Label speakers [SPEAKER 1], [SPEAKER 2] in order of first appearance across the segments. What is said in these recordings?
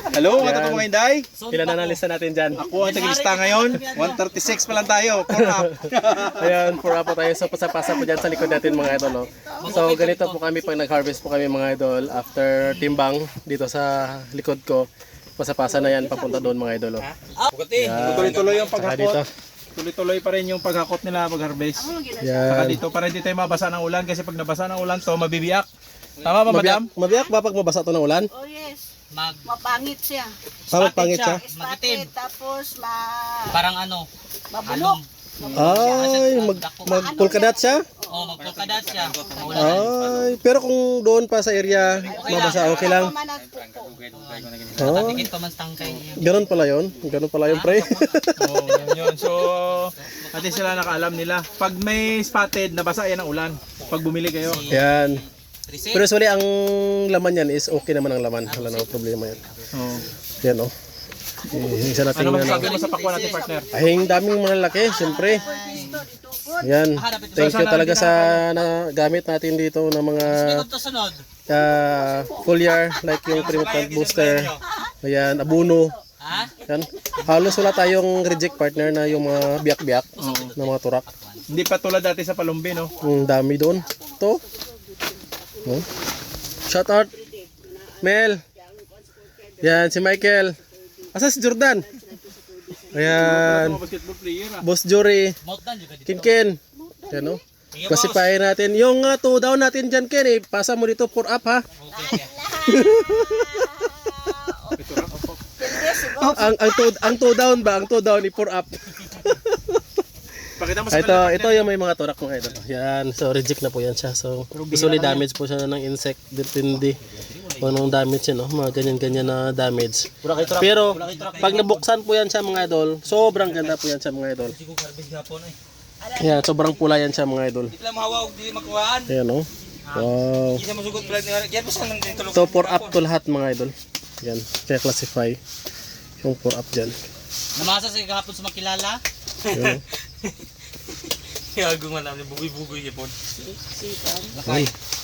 [SPEAKER 1] Hello, mga totoong mga Inday.
[SPEAKER 2] Ilan na nalista natin dyan?
[SPEAKER 1] Ako ang taglista ngayon. 136 pa lang tayo. Pour up.
[SPEAKER 2] Ayan, for up po tayo. So, pasapasa po dyan sa likod natin mga idol. No? So, ganito po kami pag nag-harvest po kami mga idol. After timbang dito sa likod ko, pasapasa na yan papunta doon mga idol. No?
[SPEAKER 1] Tuloy-tuloy yung
[SPEAKER 2] Saka dito.
[SPEAKER 1] paghakot. Tuloy-tuloy pa rin yung paghakot nila pag-harvest. Saka
[SPEAKER 2] Yan.
[SPEAKER 1] dito para hindi tayo mabasa ng ulan kasi pag nabasa ng ulan to mabibiyak. Tama ba, madam?
[SPEAKER 2] Mabiyak ba pag mabasa ito ng ulan?
[SPEAKER 3] Oh yes. Mapangit siya.
[SPEAKER 2] Pangit siya?
[SPEAKER 3] Spotted, tapos
[SPEAKER 4] Parang ano?
[SPEAKER 3] mabulok.
[SPEAKER 2] Ay, magpulkadat siya?
[SPEAKER 4] Oh, magpulkadat siya.
[SPEAKER 2] Ay, pero kung doon pa sa area, mabasa, okay lang. Oh,
[SPEAKER 4] Tikit pa man tangkay niya.
[SPEAKER 2] ganun pala yun. Ganun pala yun, pre.
[SPEAKER 1] Oo, yun. So, ati sila nakaalam nila. Pag may spotted, nabasa yan ng ulan. Pag bumili kayo.
[SPEAKER 2] Yan. Pero usually, ang laman yan is okay naman ang laman. Wala na problema yan.
[SPEAKER 1] Oo.
[SPEAKER 2] Yan, oh. Isa natin
[SPEAKER 1] Ano
[SPEAKER 2] yan.
[SPEAKER 1] masasabi mo sa pakwan natin, partner?
[SPEAKER 2] Ay, ang daming mga laki, siyempre. Yan. Thank you talaga sa gamit natin dito ng mga
[SPEAKER 4] Ito to sunod.
[SPEAKER 2] foliar, like yung Primo Plant Booster. Ayan, abono.
[SPEAKER 4] Ha?
[SPEAKER 2] Yan. Halos wala tayong reject partner na yung mga biyak-biyak na mga turak.
[SPEAKER 1] Hindi pa tulad dati sa Palumbi, no?
[SPEAKER 2] Ang dami doon. Ito. Oh. Shout out. Mel. Yan, si Michael. Asa si Jordan? Ayan.
[SPEAKER 1] Mga basketball player, ah.
[SPEAKER 2] Boss Jory.
[SPEAKER 4] Mountdan juga dito.
[SPEAKER 2] Kinkin. Yan o. Classify natin. Yung 2 down natin dyan, Ken. Pasa mo dito, pour up ha.
[SPEAKER 4] Okay.
[SPEAKER 2] Ang 2 down ba? Ang 2 down i-pour up.
[SPEAKER 1] Pakita mo sa
[SPEAKER 2] Ito yung may mga turak mga ito. Yan. So reject na po yan siya. So usually damage po siya ng insect. Depende kung anong damage yan. Mga ganyan-ganyan na damage. Pero pag nabuksan po yan siya mga idol, sobrang ganda po yan siya mga idol. Yan, sobrang pula yan siya mga idol.
[SPEAKER 4] Di lang mahawag, di makuhaan.
[SPEAKER 2] Ayan o. Wow.
[SPEAKER 4] Di na masugot pala. Yan po sa nang tulog.
[SPEAKER 2] So pour up to lahat mga idol. Yan. Kaya classify yung pour up dyan.
[SPEAKER 4] Namasa sa kahapon sa makilala.
[SPEAKER 2] Yan.
[SPEAKER 4] Kaya gumalam ni bugoy-bugoy niya po.
[SPEAKER 2] Ay.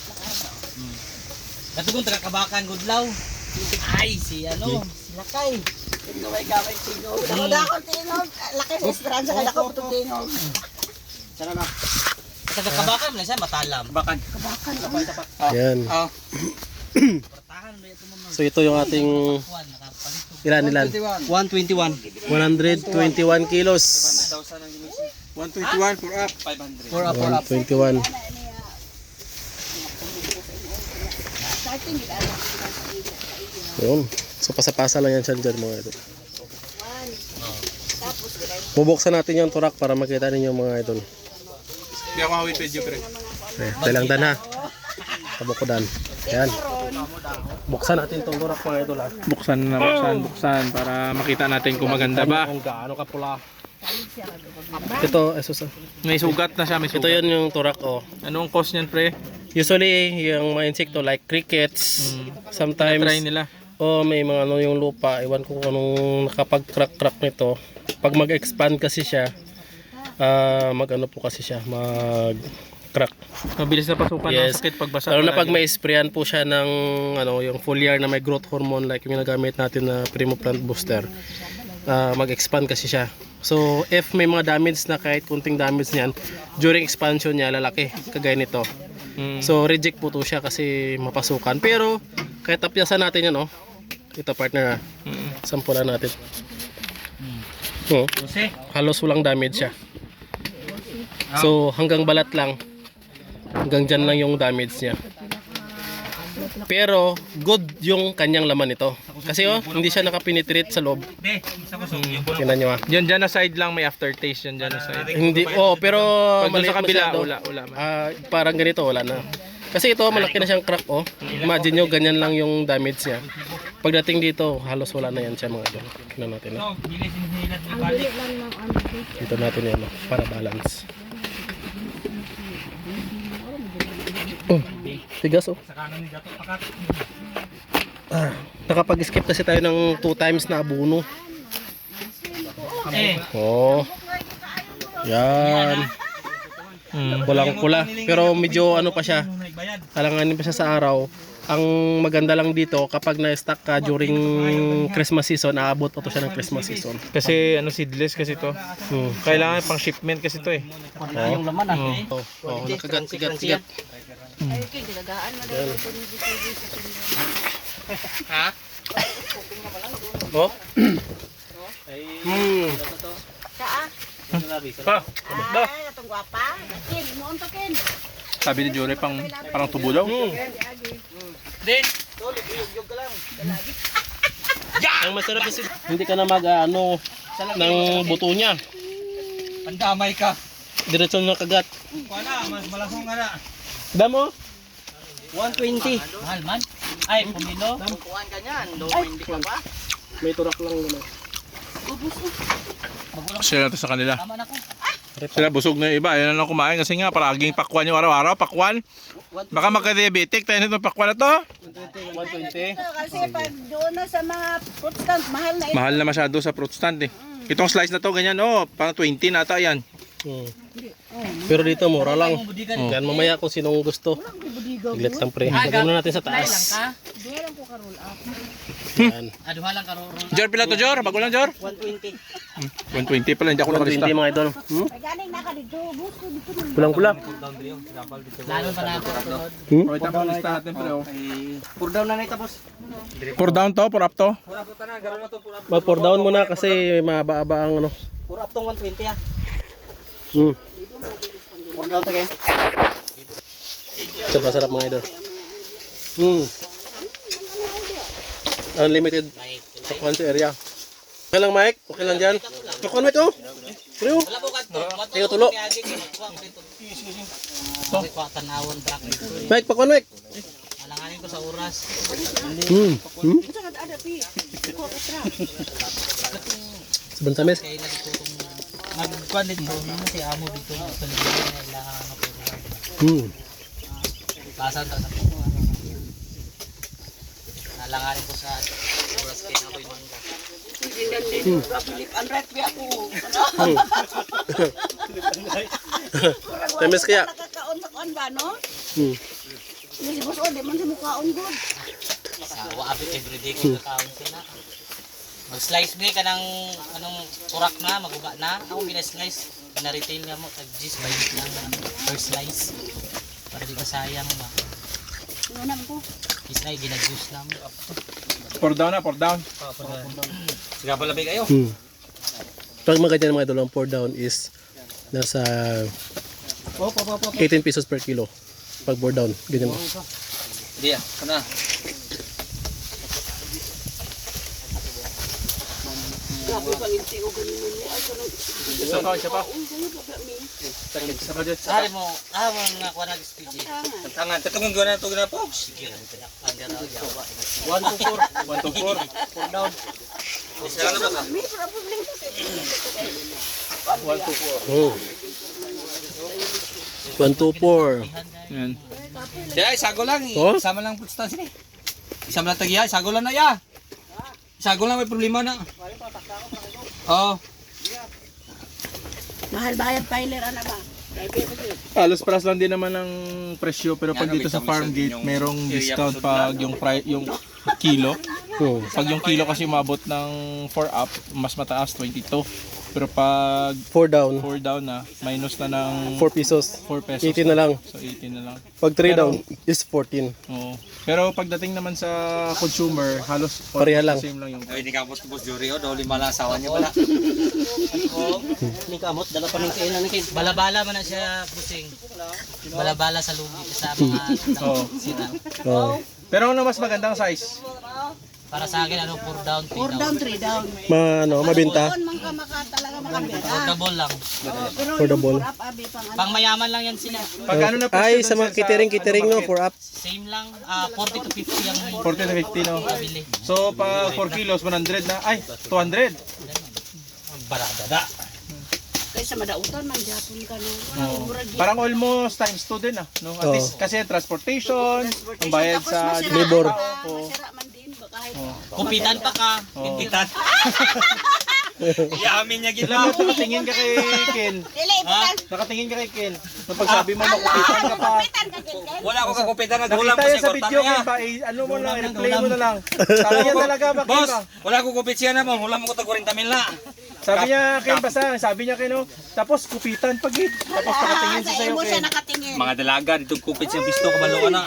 [SPEAKER 4] Katugong taga-kabakan gudlaw. Ay, si ano, si Lakay.
[SPEAKER 3] Gaway tingog. Ako na ako tingog. Laki ng esperanza kaya ako putong tingog.
[SPEAKER 4] Taga-kabakan man siya matalam.
[SPEAKER 1] Bakan.
[SPEAKER 2] Yan.
[SPEAKER 4] Portahan ba ito mo?
[SPEAKER 2] So ito yung ating
[SPEAKER 4] Kuan nakapalito.
[SPEAKER 2] ilan?
[SPEAKER 4] 121.
[SPEAKER 2] 121 kilos.
[SPEAKER 1] 121 pour up.
[SPEAKER 4] 500.
[SPEAKER 2] 121.
[SPEAKER 3] Starting with ano.
[SPEAKER 2] Yun. So pasapasa lang yan siya dyan mga idol.
[SPEAKER 3] Tapos
[SPEAKER 2] Bubuksan natin yung turak para makita ninyo mga idol.
[SPEAKER 1] Hindi ako hawit video, pre.
[SPEAKER 2] Dalang dan ha. Tabukodan. Yan. Buksan natin itong turak mga idol ha.
[SPEAKER 1] Buksan na, buksan para makita natin kung maganda ba.
[SPEAKER 2] Kung gaano ka pula. Ito, esos.
[SPEAKER 1] May sugat na siya, may
[SPEAKER 2] Ito
[SPEAKER 1] sugat.
[SPEAKER 2] yun yung turak oh.
[SPEAKER 1] Anong cost niyan, pre?
[SPEAKER 2] Usually yung mga insekto like crickets, sometimes
[SPEAKER 1] Try nila.
[SPEAKER 2] may mga ano yung lupa, iwan ko kung anong nakapag-crack nito. Pag mag-expand kasi siya, mag-ano po kasi siya, mag-crack.
[SPEAKER 1] Mabilis na pasukan
[SPEAKER 2] Yes.
[SPEAKER 1] ng sakit pag basa.
[SPEAKER 2] Lalo na pag may sprayan po siya ng ano, yung foliar na may growth hormone like yung ginagamit natin na Primo Plant Booster, mag-expand kasi siya. So if may mga damage na kahit kunting damage niyan, during expansion niya lalaki, kagaya nito. So reject po to siya kasi mapasukan. Pero kahit tapyasan natin yan, oh. Ito partner ha. Sampulan natin. Oh, halos walang damage siya. So hanggang balat lang. Hanggang dyan lang yung damage niya. Pero good yung kanyang laman nito. Kasi hindi siya nakapenetrate sa loob. Tingnan nyo ha.
[SPEAKER 1] Diyan na side lang may aftertaste yan na side.
[SPEAKER 2] Hindi, pero
[SPEAKER 1] Pag doon sa kabila,
[SPEAKER 2] masyado.
[SPEAKER 1] wala.
[SPEAKER 2] Parang ganito, wala na. Kasi ito, malaki na siyang crack, oh. Imagine nyo, ganyan lang yung damage niya. Pagdating dito, halos wala na yan siya mga idol. Tingnan natin. Dito natin yan, para balance. Oh, tigas, oh. Nakapag-skip kasi tayo ng 2 times na abono. Oh. Yan. Pulang-pula. Pero medyo ano pa siya. Alanganin pa siya sa araw. Ang maganda lang dito, kapag na-stock ka during Christmas season, aabot pa to siya ng Christmas season.
[SPEAKER 1] Kasi ano seedless kasi to.
[SPEAKER 2] Hmm.
[SPEAKER 1] Kailangan pang shipment kasi to eh.
[SPEAKER 4] Yung laman ah.
[SPEAKER 2] Oh, nakagat-sigat.
[SPEAKER 3] Ay, kay ginagaan mo daw ito ni
[SPEAKER 2] Oh. Hmm.
[SPEAKER 3] Kaa.
[SPEAKER 1] Pa,
[SPEAKER 3] Ay, atong gwapa. Kin, mo unto kin.
[SPEAKER 1] sabi ni Jory parang tubo daw.
[SPEAKER 4] Din.
[SPEAKER 2] Ang masarap is hindi ka na ano ng buto niya.
[SPEAKER 4] Pandamay ka.
[SPEAKER 2] Diretso na kagat.
[SPEAKER 4] Wala, mas malasong ka na.
[SPEAKER 2] Damo?
[SPEAKER 4] 120. Mahal man. Ay, pumilo.
[SPEAKER 3] Kukuhan ka niyan. Low hindi ka pa.
[SPEAKER 2] May turak lang naman.
[SPEAKER 1] Share natin sa kanila.
[SPEAKER 4] Tama na ko.
[SPEAKER 1] Sila busog na yung iba. Ayun na lang kumain kasi nga palaging pakwan yung araw-araw. Pakwan. Baka magka-diabetic tayo nito pakwan na to.
[SPEAKER 2] 120.
[SPEAKER 3] Kasi pag doon na sa mga fruit stand, mahal na
[SPEAKER 1] Mahal na masyado sa fruit stand eh. Itong slice na to ganyan oh. Parang 20 na ata yan.
[SPEAKER 2] Pero dito mura lang.
[SPEAKER 4] Budigan.
[SPEAKER 2] Yan mamaya kung sinong gusto. Iglet lang pre. Lagyan mo natin sa
[SPEAKER 4] Lang
[SPEAKER 2] taas.
[SPEAKER 4] ka.
[SPEAKER 3] Doon ko ka-roll up.
[SPEAKER 2] Yan.
[SPEAKER 4] Aduha lang ka roll.
[SPEAKER 1] Jor, pila to Jor? Bago lang Jor?
[SPEAKER 4] 120.
[SPEAKER 1] 120 pala, hindi ako nakalista.
[SPEAKER 2] 120 mga idol.
[SPEAKER 3] Ay, galing na ka dito. Busto dito na.
[SPEAKER 2] Pulang-pula.
[SPEAKER 4] Lalo pa na ako.
[SPEAKER 1] Okay, tapos lista natin pre oh.
[SPEAKER 4] Pur down na na boss.
[SPEAKER 1] Pour down to, pour up to.
[SPEAKER 2] Mag-pour down muna kasi mahaba-haba ang ano.
[SPEAKER 4] Pur up tong 120 ah.
[SPEAKER 2] Hmm.
[SPEAKER 4] Pur down to kay.
[SPEAKER 2] Sarap mga idol. Hmm. Unlimited pakuan sa area. Okay lang Mike? Okay lang dyan? Pakuan Mike oh! Pero
[SPEAKER 4] Wala po kadto.
[SPEAKER 2] Tayo tulo.
[SPEAKER 4] Tanawon black.
[SPEAKER 2] Mike, pakuan Mike!
[SPEAKER 4] Alanganin ko sa oras.
[SPEAKER 2] Hmm. Hmm?
[SPEAKER 3] Saan ada pi? Ko extra.
[SPEAKER 2] Saban tamis.
[SPEAKER 4] Kaya lagi ko itong magkuhan dito. Si amo dito. Sa libro na ilangan ako.
[SPEAKER 2] Hmm.
[SPEAKER 4] Basan ta sa nalanganin ko sa oras kaya na ako yung mangga.
[SPEAKER 3] Philip Andret pi ako.
[SPEAKER 2] Hmm. Tamis kaya?
[SPEAKER 3] Nakakaon sa kuan ba no?
[SPEAKER 2] Hmm.
[SPEAKER 3] Hindi boss o, di man sa mukhaon good.
[SPEAKER 4] Sa waabit everyday ko kakaon sila. Mag-slice mo ka ng anong kurak na, maguba na. Ako gina-slice. Na-retail nga mo. Tag-gis, bayit lang per slice. Para di ka sayang ba.
[SPEAKER 3] Ngunam ko.
[SPEAKER 4] Isay, gina-juice lang.
[SPEAKER 1] Pour down na, pour down.
[SPEAKER 4] Sige pala ba kayo?
[SPEAKER 2] Hmm. Pag mga ganyan mga idol, ang pour down is nasa 18 pesos per kilo. Pag pour down, ganyan mo.
[SPEAKER 4] Di ah, kana.
[SPEAKER 3] Grabe pang inti o ganun mo. Ay, kanang
[SPEAKER 1] Isa pa, isa pa. Isa pa dyan.
[SPEAKER 4] Sari mo, mga kuha na SPG. Tangan, tatungin ko na ito na po. Sige, under out yawa. 1 to 4.
[SPEAKER 1] 1 to 4.
[SPEAKER 4] Pour down. Isa lang na ba?
[SPEAKER 3] may problem kasi.
[SPEAKER 1] 1 to 4.
[SPEAKER 2] Oh. 1, 2, 4.
[SPEAKER 1] Yan.
[SPEAKER 4] Di ay, sago lang.
[SPEAKER 2] Oh?
[SPEAKER 4] Isama lang putstan sila. Isama lang tagiya, sago lang na ya. Sago lang may problema na. Oh.
[SPEAKER 3] Mahal bayad piler ana ba?
[SPEAKER 1] Alos paras lang din naman ng presyo pero pag dito sa farm gate merong discount pag yung yung kilo.
[SPEAKER 2] Oh.
[SPEAKER 1] Pag yung kilo kasi umabot ng 4 up, mas mataas 22. Pero pag
[SPEAKER 2] 4 down,
[SPEAKER 1] 4 down na, minus na ng
[SPEAKER 2] 4 pesos.
[SPEAKER 1] 4 pesos.
[SPEAKER 2] 18 na lang.
[SPEAKER 1] So 18 na lang.
[SPEAKER 2] Pag 3 down is 14.
[SPEAKER 1] Oo. Pero pagdating naman sa consumer, halos
[SPEAKER 2] Pareha lang.
[SPEAKER 1] same lang yung
[SPEAKER 4] Ay, ni kamot Boss Jory, daw lima lang asawa niya wala. Ni kamot, dala pa ng kainan ni balabala man na siya busing. Balabala sa lugi sa mga
[SPEAKER 1] Oo.
[SPEAKER 4] sila.
[SPEAKER 2] Oh.
[SPEAKER 1] Pero ano mas magandang size?
[SPEAKER 4] Para sa akin ano 4 down, 3
[SPEAKER 3] 4
[SPEAKER 4] down.
[SPEAKER 3] down, 3 down.
[SPEAKER 2] Mabenta.
[SPEAKER 3] Doon man ka talaga makabera.
[SPEAKER 4] Affordable lang.
[SPEAKER 3] Pero
[SPEAKER 2] Affordable.
[SPEAKER 3] yung 4 up abi pang ano.
[SPEAKER 4] Pang mayaman lang yan sila.
[SPEAKER 1] Pag ano na presyo
[SPEAKER 2] Ay,
[SPEAKER 1] dun
[SPEAKER 2] sa mga catering no, 4 up.
[SPEAKER 4] Same lang, 40 to 50 ang
[SPEAKER 1] 40 to 50 no.
[SPEAKER 4] bili.
[SPEAKER 1] So pag 4 kilos 100 na, ay 200.
[SPEAKER 4] Barada da.
[SPEAKER 3] Kaysa madautan man Japon ka no.
[SPEAKER 1] Parang almost times 2 din no. At
[SPEAKER 2] Oo.
[SPEAKER 1] least kasi transportation, ang bayad sa
[SPEAKER 2] Labor.
[SPEAKER 3] Masira man din ba kahit
[SPEAKER 4] Kumpitan pa ka. Kumpitan.
[SPEAKER 5] Yamin niya gito.
[SPEAKER 1] Alam mo, nakatingin ka kay Ken.
[SPEAKER 3] Dili, ipitan.
[SPEAKER 1] Nakatingin ka kay Ken. Nung pagsabi mo, makupitan ka pa.
[SPEAKER 3] Ipitan ka, Ken.
[SPEAKER 5] Wala ako kakupitan na hulam
[SPEAKER 1] Nakita
[SPEAKER 5] ko
[SPEAKER 1] yan
[SPEAKER 5] si
[SPEAKER 1] sa
[SPEAKER 5] Kortan
[SPEAKER 1] video,
[SPEAKER 5] niya.
[SPEAKER 1] Ken pa. Ano mo lang, i-replay mo na lang. Sabi niya talaga, bakit
[SPEAKER 5] Boss,
[SPEAKER 1] ba?
[SPEAKER 5] wala ko kupit siya na mo. Hulam ko tag 40 mil na.
[SPEAKER 1] Sabi niya, Ken, basta. Sabi niya, Ken, oh. Tapos, kupitan pag Tapos, nakatingin
[SPEAKER 3] Sa
[SPEAKER 1] siya sa'yo,
[SPEAKER 3] imo siya
[SPEAKER 1] Ken.
[SPEAKER 3] nakatingin.
[SPEAKER 5] Mga dalaga dito kupit siya pisto ko maluwa na.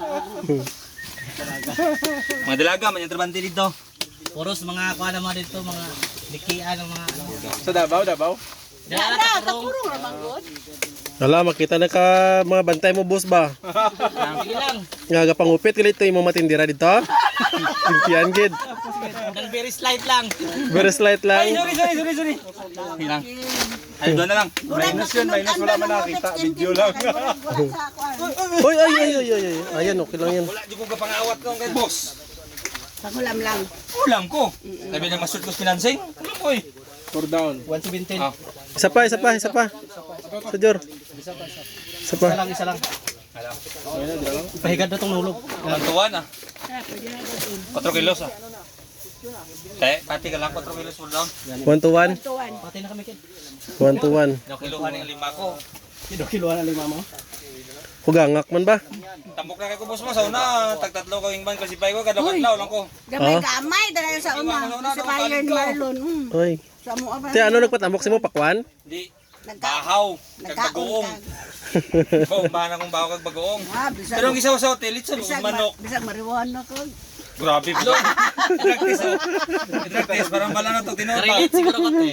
[SPEAKER 5] Mga dalaga man yung trabante dito.
[SPEAKER 4] Puros mga kuha naman dito, mga likian ng mga ano.
[SPEAKER 1] Sa Davao, Davao.
[SPEAKER 4] Diyan
[SPEAKER 3] Wala,
[SPEAKER 4] na takurong.
[SPEAKER 3] takurong naman good.
[SPEAKER 2] Wala, makita na ka mga bantay mo, boss ba?
[SPEAKER 4] Sige lang.
[SPEAKER 2] Nga pangupit kalito yung mga matindira dito. Impian gid.
[SPEAKER 4] Nang very slight lang.
[SPEAKER 2] Very slight
[SPEAKER 5] Ay,
[SPEAKER 2] lang.
[SPEAKER 5] sorry. Hilang. Ay, doon na lang.
[SPEAKER 1] Minus yun, minus. Wala man nakita. Video lang.
[SPEAKER 3] Wala sa kuwan.
[SPEAKER 2] Oy, ay. Ayan, okay lang yan.
[SPEAKER 5] Wala di ko kapangawat ko kay boss.
[SPEAKER 3] Pangulam lang.
[SPEAKER 5] Ulam ko. Sabi na masud ko financing. Ulam ko eh.
[SPEAKER 1] 4 down.
[SPEAKER 4] 117.
[SPEAKER 5] Ah.
[SPEAKER 2] Isa pa. Sa Jor. Isa pa.
[SPEAKER 4] Isa lang.
[SPEAKER 1] Ayun na, dito lang.
[SPEAKER 4] Pahigad na tong nulog.
[SPEAKER 5] Mantuan ah. 4 kilos ah. Pati ka lang 4 kilos for down.
[SPEAKER 2] 1 to 1.
[SPEAKER 3] Tuwan.
[SPEAKER 4] Pati na kami kin.
[SPEAKER 2] 1 to 1.
[SPEAKER 5] Kiluhan ng 5 ko.
[SPEAKER 4] Kiluhan na 5 mo.
[SPEAKER 2] Hugangak man ba?
[SPEAKER 5] Tambok na kay ko boss mo sa una. Tag-tatlo ko yung ban classify ko. Kada kadlaw lang ko.
[SPEAKER 3] Gamay-gamay. Dala sa una. Si Bayern Marlon.
[SPEAKER 2] Oy.
[SPEAKER 3] Sa mo ba?
[SPEAKER 2] Te ano nagpatambok si mo pakwan?
[SPEAKER 5] Di. Bahaw. Kag bagoong.
[SPEAKER 3] Nagkaon.
[SPEAKER 5] Bahan akong bahaw kag bagoong.
[SPEAKER 3] Bisag.
[SPEAKER 5] Pero ang isa sa hotel, it's manok.
[SPEAKER 3] Bisag marijuana na ko.
[SPEAKER 5] Grabe bro. Drug test oh. Drug test. Parang bala na ito tinota.
[SPEAKER 4] Relate siguro ko te.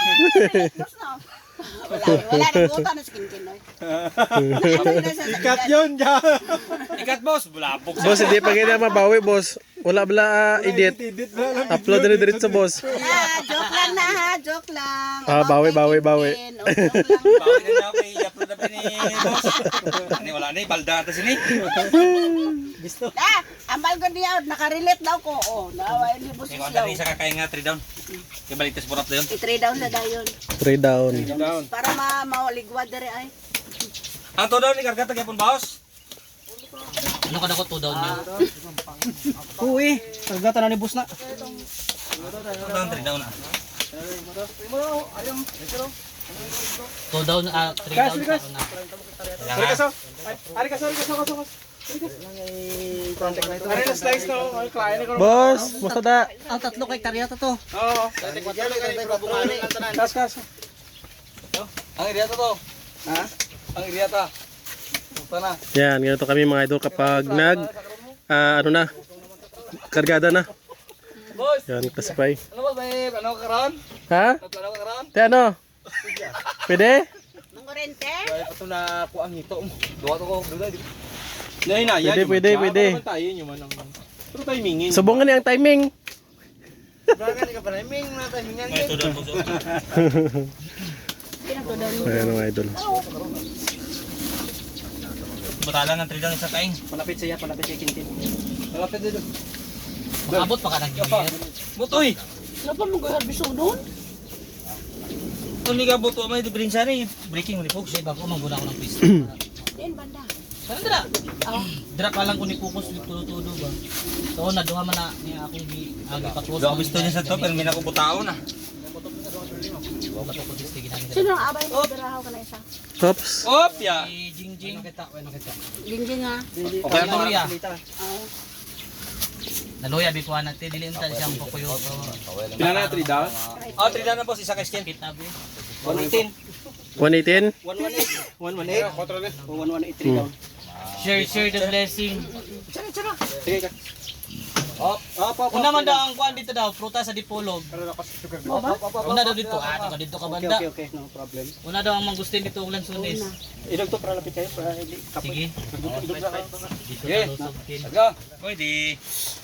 [SPEAKER 3] Wala na buta na skin oy.
[SPEAKER 1] Ikat yun, ja.
[SPEAKER 5] Ikat boss. Bulabog sa.
[SPEAKER 2] Boss, hindi pa ganyan mabawi, boss. Wala bala edit.
[SPEAKER 1] Edit na lang.
[SPEAKER 2] Upload na diretso, boss.
[SPEAKER 3] Joke lang na ha, joke lang.
[SPEAKER 2] Bawi.
[SPEAKER 3] Joke lang.
[SPEAKER 5] Bawi na na ako i-upload na pa ni boss. Ani wala na balda ata sini.
[SPEAKER 3] Ambal ko niya, nakarelate daw ko. Naway ni boss
[SPEAKER 5] Ikaw
[SPEAKER 3] siya.
[SPEAKER 5] na rin sa kakaya nga 3 down. Kaya balik tas burap na yun.
[SPEAKER 3] I-trade down na dayon.
[SPEAKER 2] 3 down.
[SPEAKER 1] Down.
[SPEAKER 3] Para mawaligwad dere ay.
[SPEAKER 5] Ang to down ni karga tagyapon baos.
[SPEAKER 4] Ano ka na ko to down niyo?
[SPEAKER 6] Uy, kargatan na ni boss na.
[SPEAKER 5] Ang down 3 down na.
[SPEAKER 4] To down, 3 down sa una.
[SPEAKER 1] Ari ka, so. Ari ka, so. Ari na slice na. Ay, client ko.
[SPEAKER 2] Boss, masada.
[SPEAKER 6] Ang tatlo kay Karyata to.
[SPEAKER 1] Oo. Kas.
[SPEAKER 5] Ang iriata to. Ha? Ang iriata. Sana.
[SPEAKER 2] Yan, ganito kami mga idol kapag ano na, kargada na. Yan, classify.
[SPEAKER 5] Ano ba may ano karon?
[SPEAKER 2] Ha?
[SPEAKER 5] Ano karon?
[SPEAKER 2] Te ano? Pwede?
[SPEAKER 3] Mangorente?
[SPEAKER 1] Ito na ako ang hito mo.
[SPEAKER 5] Duwa to ko.
[SPEAKER 2] Pwede.
[SPEAKER 1] Tayo nyo man ang... Pero timingin.
[SPEAKER 2] Subungan niya ang timing.
[SPEAKER 5] May to down boss.
[SPEAKER 2] Ayan mga idol.
[SPEAKER 5] Butala ng 3 down sa kain.
[SPEAKER 6] Palapit siya Kintin.
[SPEAKER 1] Malapit dito.
[SPEAKER 4] Abot pa ka nag-gimir.
[SPEAKER 5] Butoy.
[SPEAKER 3] Ano pa mo garbiso doon?
[SPEAKER 5] Kung ni ka buto may diferensya ni breaking ni folks.
[SPEAKER 4] Kasi bago mangguna ko ng pista.
[SPEAKER 3] Din banda.
[SPEAKER 4] Parang dira. Dira pa lang ko ni focus tulo-tulo ba. So na duha man na niya akong agi patros.
[SPEAKER 5] Duwa gusto niya sa to pero may nakubutao na.
[SPEAKER 3] Sino ang abay mo darahaw ka na isa?
[SPEAKER 2] Tops.
[SPEAKER 5] Op ya.
[SPEAKER 4] Jingjing.
[SPEAKER 3] Gingging ha.
[SPEAKER 5] Okay to.
[SPEAKER 4] Naluya.
[SPEAKER 3] Oo.
[SPEAKER 4] Naluya bikuan natin dili unta siyang pakuyo.
[SPEAKER 1] Pila na 3 down?
[SPEAKER 5] Oh, 3 down na boss isa ka skin.
[SPEAKER 4] Kita bi.
[SPEAKER 6] 118.
[SPEAKER 2] 118?
[SPEAKER 6] 118. 118. O 118 down.
[SPEAKER 4] Share the blessing.
[SPEAKER 6] Sige ka. Op.
[SPEAKER 4] Una man daw ang kuan dito daw, prutas sa Dipolog. Una daw dito, dito ka banda.
[SPEAKER 6] Okay, no problem.
[SPEAKER 4] Una daw ang mangustin dito ulan sunis.
[SPEAKER 6] Idog to para lapit kayo para hindi kapoy.
[SPEAKER 4] Sige. Dito sa lusogkin.
[SPEAKER 5] Go. Pwede.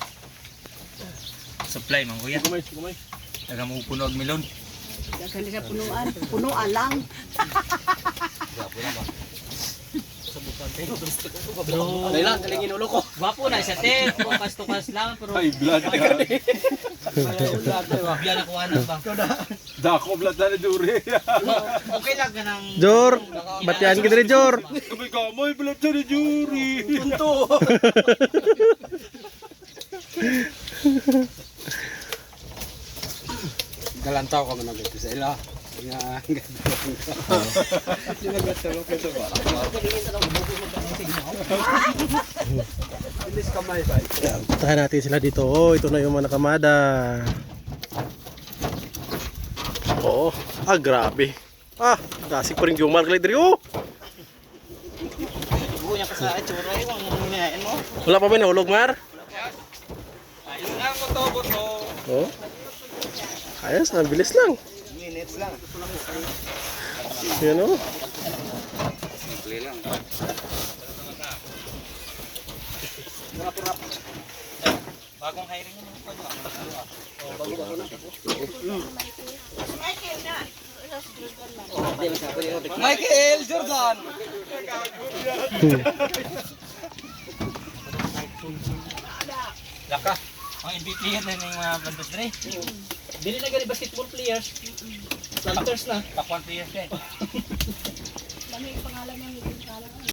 [SPEAKER 5] Supply man kuya.
[SPEAKER 1] Gumay.
[SPEAKER 5] Taga mo puno og melon.
[SPEAKER 3] Daghan sa punuan. Punuan lang.
[SPEAKER 4] Pero
[SPEAKER 6] Dahil kalingin ulo ko.
[SPEAKER 4] gwapo na siya te, tukas lang pero
[SPEAKER 1] Ay, blood.
[SPEAKER 4] biya na kuha ba.
[SPEAKER 1] Dako blood na duri.
[SPEAKER 4] Okay lang ka nang
[SPEAKER 2] Jor, batian kita rin Jor.
[SPEAKER 1] Kamay blood na jury. Punto.
[SPEAKER 6] Galantaw ka man nagito sa ila. Nga Yung naglatalo ka ito ba? Bilis kamay ba?
[SPEAKER 2] Puntahan natin sila dito. Oh, ito na yung mga nakamada. Oh, grabe. Dasig pa rin yung Mark Ledri. Oh,
[SPEAKER 3] Buya ka sa itsura yung hinahin mo.
[SPEAKER 2] wala pa ba nahulog, Mar?
[SPEAKER 5] Ayun lang mo to, buto.
[SPEAKER 2] Oh. Ayos, ang bilis lang.
[SPEAKER 3] Minutes lang.
[SPEAKER 2] Yan oh.
[SPEAKER 5] Simple lang. Bagong hiring mo pa Michael Jordan. Laka. Ang MVP yan na yung mga bandos dre.
[SPEAKER 6] Dili na gani basketball players. Planters na.
[SPEAKER 5] Top 1 players yan.